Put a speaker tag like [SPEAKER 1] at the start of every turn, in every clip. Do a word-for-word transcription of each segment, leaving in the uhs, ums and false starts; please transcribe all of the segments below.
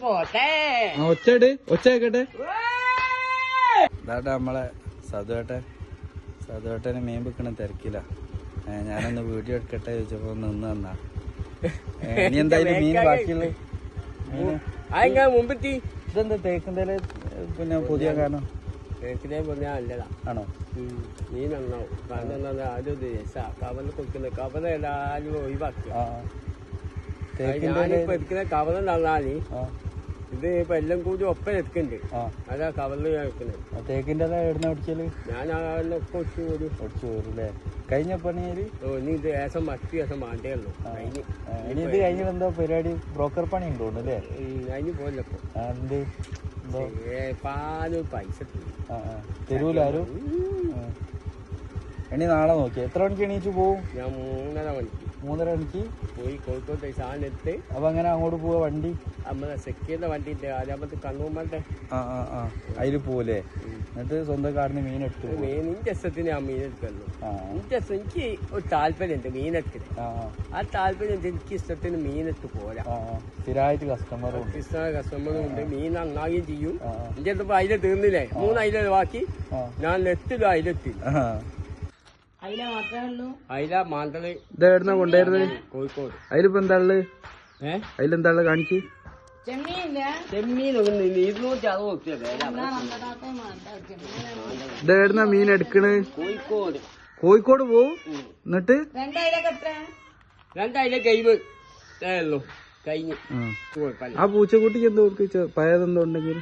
[SPEAKER 1] പോട്ടെ
[SPEAKER 2] ഒച്ചട് ഒച്ചയാക്കട്ടെ. ഇതാട്ടെ നമ്മളെ സതുവേട്ടെ സതുവേട്ടന് മീൻ വെക്കണ തിരക്കില്ല. ഞാനൊന്ന് വീഡിയോ എടുക്കട്ടെ ചോദിച്ചപ്പോ നിന്ന് തന്നാ. ഇനി എന്തായാലും മീൻ ബാക്കിയുള്ള
[SPEAKER 1] മുമ്പെത്തി
[SPEAKER 2] ഇതെന്താ തേക്കിന്റെ പിന്നെ പുതിയ കാരണം
[SPEAKER 1] തേക്കിനെ പറഞ്ഞാൽ നല്ലതാ
[SPEAKER 2] ആണോ?
[SPEAKER 1] മീൻ നന്നാവും. കാരണം എന്താ ആദ്യം രസാ കവല കൊടുക്കുന്നത്. കവല എല്ലാരും ഒഴിവാക്കി. ഞാനിപ്പോ എടുക്കുന്ന കവല നന്നാല് ഇത് ഇപ്പൊ എല്ലാം കൂടി ഒപ്പം എടുക്കുന്നുണ്ട്. അതാ കവലിൽ എടുക്കുന്നത്.
[SPEAKER 2] തേക്കിന്റെ എവിടുന്ന ഒടിച്ചല്
[SPEAKER 1] ഞാൻ ഒക്കെ ഒടിച്ചു പോരും
[SPEAKER 2] ഒടിച്ചു പോരല്ലേ? കഴിഞ്ഞ പണിയാല്
[SPEAKER 1] ഇനി ഇത് ഏസം മറ്റു ദിവസം മാണ്ടേ ഉള്ളൂ. കഴിഞ്ഞ്
[SPEAKER 2] ഇനി ഇത് കഴിഞ്ഞ എന്താ പരിപാടി? ബ്രോക്കർ പണി ഉണ്ടോ അല്ലേ?
[SPEAKER 1] കഴിഞ്ഞ് പോലപ്പോ
[SPEAKER 2] എന്ത്
[SPEAKER 1] പാല് പൈസ
[SPEAKER 2] തരൂലാരും. ഇനി നാളെ നോക്കി എത്ര മണിക്ക് എണീച്ചു പോവും?
[SPEAKER 1] ഞാൻ മൂന്നര മണിക്ക്
[SPEAKER 2] മൂന്നര മണിക്ക്
[SPEAKER 1] പോയി കോഴിക്കോട്ടെ സാധനം എടുത്ത്.
[SPEAKER 2] അപ്പൊ അങ്ങനെ അങ്ങോട്ട് പോവാ വണ്ടി?
[SPEAKER 1] നമ്മളെ സെക്യൂരിന്റെ വണ്ടി ഉണ്ട്. ആദ്യമത്തെ കണ്ണൂമ്മന്റെ
[SPEAKER 2] ആ ആ ആ അതില് പോവല്ലേ? എന്നിട്ട് സ്വന്തം കാടിന് മീൻ എടുത്തു.
[SPEAKER 1] മീൻ ഇന്റെ രസത്തിന് ഞാൻ മീൻ എടുക്കുന്നു. ഇന്റെ എനിക്ക് ഒരു താല്പര്യമുണ്ട് മീനെടുത്തിന്. ആ താല്പര്യം എനിക്ക് ഇഷ്ടത്തിന് മീനെടുത്ത് പോരാ.
[SPEAKER 2] സ്ഥിരമായിട്ട് കസ്റ്റമറും
[SPEAKER 1] കസ്റ്റമറും ഉണ്ട്. മീൻ നന്നാവുകയും ചെയ്യും. എന്റെ അടുത്ത് അയില തീർന്നില്ലേ? മൂന്ന് അയില ബാക്കി. ഞാൻ നെറ്റിലും അയിലെത്തി. അയില മാന്തള്
[SPEAKER 2] ഇതെവിടുന്ന കൊണ്ടുവരുന്നത്?
[SPEAKER 1] കോഴിക്കോട്.
[SPEAKER 2] അതിലിപ്പോ എന്താ ഉള്ളത്? ഏഹ് അതിലെന്താ ഉള്ളത് കാണിക്ക്.
[SPEAKER 1] ചെമ്മീൻ ഇരുന്നൂറ്റി അറുപത്
[SPEAKER 2] ഇതെവിടുന്ന മീൻ എടുക്കണ്?
[SPEAKER 1] കോഴിക്കോട്.
[SPEAKER 2] കോഴിക്കോട് പോവും. എന്നിട്ട്
[SPEAKER 1] രണ്ടായിരം കഴിവ് ഉള്ളൂ കഴിഞ്ഞ്.
[SPEAKER 2] ആ പൂച്ചക്കുട്ടിക്ക് എന്തോ പയതെന്തോ ഉണ്ടെങ്കിൽ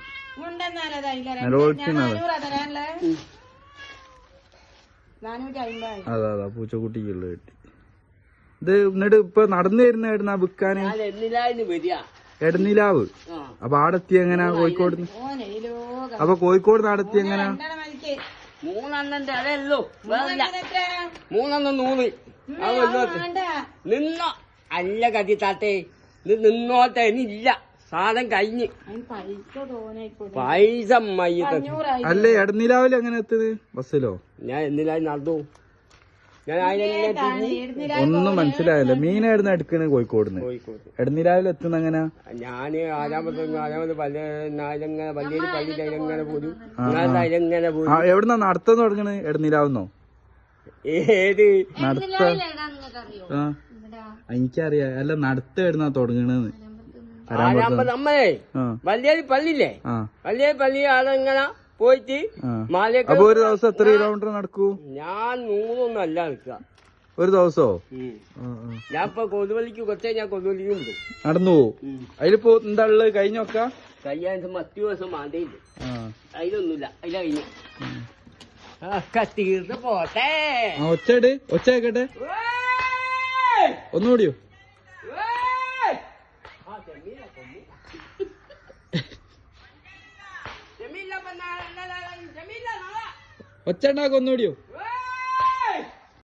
[SPEAKER 2] അതാ അതാ പൂച്ചക്കുട്ടിക്കുള്ള കിട്ടി. ഇത് എന്നിട്ട് ഇപ്പൊ നടന്നു വരുന്ന എവിടുന്നാ വിൽക്കാന്? എടനിലാവ്. അപ്പൊ ആടെത്തി എങ്ങനാ കോഴിക്കോട്? അപ്പൊ കോഴിക്കോട് നടത്തി എങ്ങനാ?
[SPEAKER 1] മൂന്നെണ്ണന്റെ അതല്ലോ മൂന്നെണ്ണം നൂറ് നിന്നോ അല്ല കതി താത്തേ. ഇത് നിന്നോട്ടെ ഇല്ല സാധനം കഴിഞ്ഞ് പൈസ
[SPEAKER 2] അല്ലേ? എടനിലാവില് എങ്ങനെ എത്തുന്നത്? ബസ്സിലോ?
[SPEAKER 1] ഞാൻ എന്നിലായി നടന്നു. ഞാൻ
[SPEAKER 2] ഒന്നും മനസ്സിലായല്ലോ. മീനായിരുന്നു എടുക്കണേ കോഴിക്കോടിന്ന്. എടനിലാവിൽ എത്തുന്ന എങ്ങനാ?
[SPEAKER 1] ഞാന് ആരാമത്തെ ആരാമത്തെ പല നാലങ്ങനെ വലിയ പള്ളി തൈലങ്ങനെ പോലും തൈലങ്ങനെ പോലും.
[SPEAKER 2] എവിടുന്നാ നടത്താൻ തുടങ്ങണത്? എടനിലാവുന്നോ?
[SPEAKER 1] ഏത്
[SPEAKER 2] നടത്ത? എനിക്കറിയാം. അല്ല നടത്ത എവിടുന്നാ തുടങ്ങണെന്ന്?
[SPEAKER 1] നമ്മളെ വലിയ പള്ളിയില്ലേ? വലിയ പള്ളി അതെങ്ങനെ പോയിട്ട് മാലയൊക്കെ.
[SPEAKER 2] അപ്പൊ ഒരു ദിവസം എത്ര കിലോമീറ്റർ നടക്കൂ?
[SPEAKER 1] ഞാൻ നൂറൊന്നും അല്ല നിൽക്കുക
[SPEAKER 2] ഒരു ദിവസോ?
[SPEAKER 1] ഞാൻ ഇപ്പൊ കൊതുവലിക്ക് കൊച്ചേ ഞാൻ കൊതുവലിക്കുണ്ട്
[SPEAKER 2] നടന്നു പോവും. അതിലിപ്പോ എന്താ ഉള്ളത്? കഴിഞ്ഞൊക്കെ
[SPEAKER 1] കഴിയാൻ മറ്റു ദിവസം മാണ്ടയില്ല. അതിലൊന്നുമില്ല. അതില കഴിഞ്ഞു ഒക്കെ തീർന്ന് പോട്ടെ.
[SPEAKER 2] ഒച്ചട് ഒച്ചയാക്കട്ടെ ഒന്നുകൂടിയോ? ഒച്ച ഉണ്ടാക്കും ഒന്നുകൂടിയോ?